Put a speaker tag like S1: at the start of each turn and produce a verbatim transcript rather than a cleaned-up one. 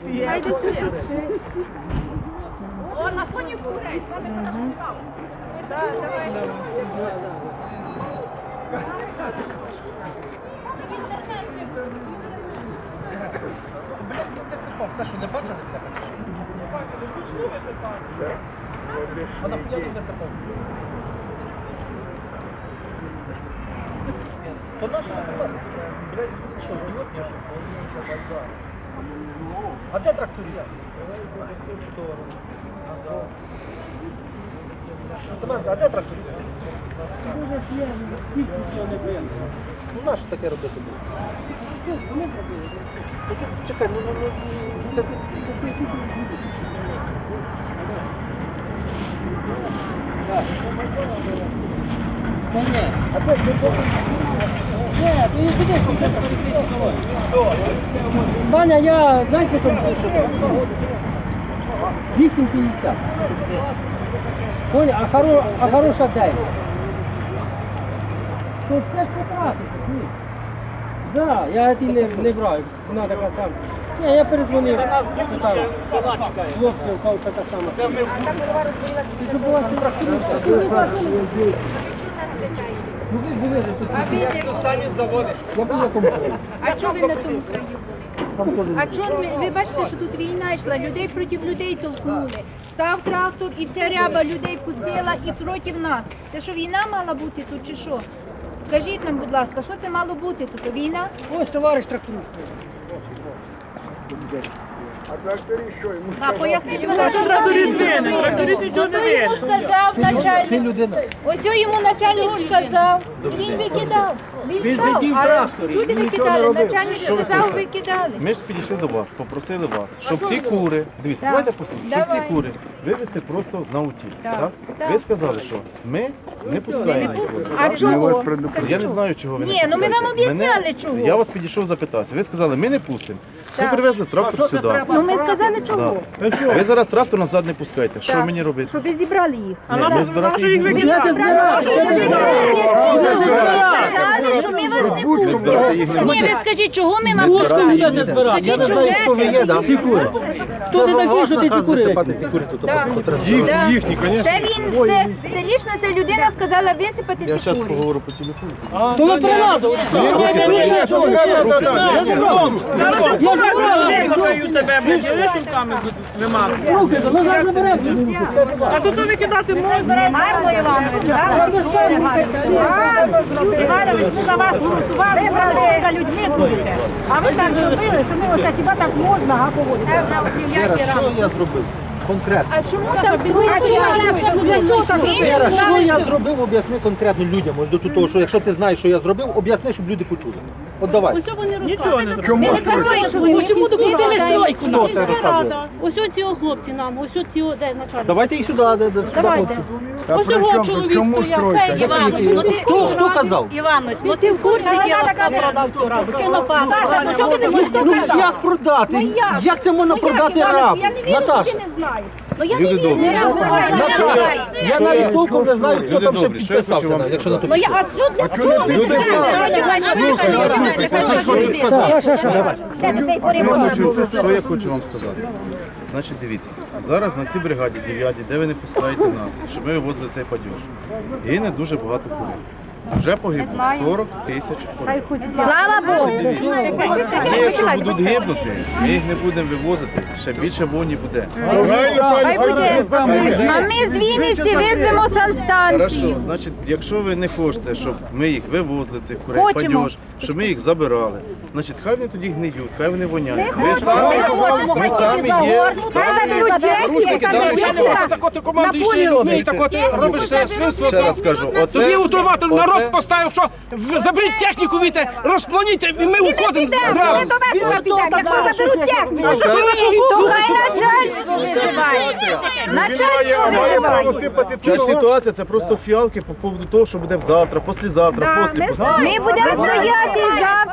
S1: Хайде сюди. О, на фоні курей. Так, давай.
S2: Це що, не бачили? Вона я тут висипав. То нащо висипати? Блядь, що, ідіот чи що? А де тракторист? Семен, а де тракторист? Ну нащо таке робити було? Чекай, ну, ну, ну, це...
S3: Та ні.
S2: А де, де, де?
S3: Ні, то не туди, конкретно перекрити. Ваня, я, знаєш, по чому пишу? вісім п'ятдесят. Понял, а, хоро, а хороша дев'ять. То це ж покрасити, ні. Да, я ті не, не брав, ціна така сама. Ні, я перезвонив. Це нас дуже ще села чекає. Хлопців, кого така сама. Це ми... Ти забуваєш тракториста. Ну ви були тут. Я був на тому.
S1: А чого ви на тому краю були? А чого ви, ви бачите, що тут війна йшла, людей проти людей толкнули. Став трактор і вся ряба людей пустила і проти нас. Це що, війна мала бути тут чи що? Скажіть нам, будь ласка, що це мало бути тут? Війна?
S3: Ось товариш тракторист.
S4: А тракторист що? Йому
S1: А поясніть, будь ласка, хто йому сказав начальник? Ось йому начальник сказав, і він викидав. Він став, але люди викидали, начальник сказав, викидали.
S5: Ми ж підійшли до вас, попросили вас, щоб ці кури, дивіться,
S1: Так.
S5: давайте послухайте, щоб ці
S1: Давай.
S5: кури вивезти просто на утіль.
S1: Так.
S5: Так?
S1: Так.
S5: Ви сказали, що ми не пускаємо ці кури.
S1: А чого?
S5: Я не знаю, чого ви не
S1: Ні, ну ми
S5: пускаєте.
S1: вам об'ясняли,
S5: Мене-
S1: чого.
S5: Я вас підійшов, запитався. Ви сказали, ми не пустимо. Ви
S1: Так.
S5: привезли трактор сюди.
S1: Ну ми сказали, чого?
S5: Ви зараз трактор назад не пускаєте. Що
S1: Так.
S5: мені робити?
S1: Щоб ви зібрали їх.
S5: Ні, ми збирати їх не
S1: Ви
S5: будемо.
S1: зібрали, що ми вас не
S5: Ми збирати їх не
S1: Ні,
S5: будемо.
S1: ви скажіть, чого ми вам
S5: збирати
S1: пускаємо?
S5: їх не будемо.
S1: Скажіть,
S2: Я не знаю, хто ви
S1: чого?
S2: є, да? Ці кури.
S3: Хто ти такий, що ти ці кури?
S2: Висипати ці кури тут.
S1: Так.
S5: Їх-
S1: Так.
S5: їхні, звісно.
S1: Це він, це, це лічно ця людина сказала висипати
S5: Я
S1: ці
S5: зараз
S1: кури.
S5: поговорю по телефону.
S3: То ви прилазили. Я забрав.
S6: Закрию тебе, блядь, я руками вимагаю.
S3: Руки, то ми зараз заберемо.
S6: А тут викидати можна.
S1: Марко Іванович, так?
S7: Іванович, ми за вас голосували, ви ще за людьми будете. А ви так зробили, що ми оце хіба так можна, а поводити?
S1: Це вже от ніякі
S2: Що
S1: рамки.
S2: я зробив? Конкретно.
S1: А чому там
S7: Для чого так робити?
S2: Вера, що я зробив, об'ясни конкретно людям. Ось до того, що якщо ти знаєш, що я зробив, об'ясни, щоб люди почули. От давай.
S6: Нічого не зробили.
S4: чому?
S7: Чому допустили стройку?
S2: Хто це розказує?
S8: Ось оці о хлопці нам, ось оці о, де начальник.
S2: Давайте і сюди, де, де сюди
S8: Давайте.
S2: хлопці.
S8: Ось його чоловік стояв, цей
S1: Іванович, ну ти,
S2: Хто, хто казав?
S1: Іванович, ну ти в курсі діла, хто продав цю рабу? Чи на факт?
S7: Саша, ну чого ти не можеш
S2: Ну як продати? Як це можна продати рабу?
S7: Я не вірю, що
S2: Наташа,
S7: ти не знаєш. Ну я
S5: Люди
S7: не вірю.
S5: добрі.
S2: я навіть толком не знаю, хто
S5: Люди
S2: там ще
S5: добрі, що я хочу
S2: підписався,
S5: вам
S2: навіть, якщо на то
S7: Ну я, а що для чого ви
S5: Люди Що я хочу вам сказати? Значить, дивіться, зараз на цій бригаді дев'ятій, де ви не пускаєте нас, щоб ми вивозили цей падіж, гине дуже багато курей. Вже погибло сорок тисяч курей.
S1: Слава Богу!
S5: Дивіться, вони якщо будуть гибнути, ми їх не будемо вивозити, ще більше вогні буде.
S1: Хай буде. А ми з Вінниці визвемо
S5: Хорошо,
S1: санстанцію.
S5: значить, якщо ви не хочете, щоб ми їх вивозили, цих курей,
S1: Хочемо.
S5: падіж, щоб ми їх забирали, значить, хай вони тоді гниють, хай вони воняють. Ми самі, ми самі є порушники даних ситуацій.
S6: Так от команди йшли людьми, і так от робиш свинство.
S5: Ще раз кажу,
S6: Тобі
S5: оце,
S6: автоматор
S5: оце-
S6: народ поставив, що в- заберіть техніку, віте, розплоніть, і ми уходимо зразу.
S7: Якщо заберуть техніку.
S5: оце-
S1: То хай начальство визиває. Начальство визиває.
S5: Ця ситуація це просто фіалки по поводу того, що буде завтра, післязавтра, після.
S1: Ми будемо стояти завтра.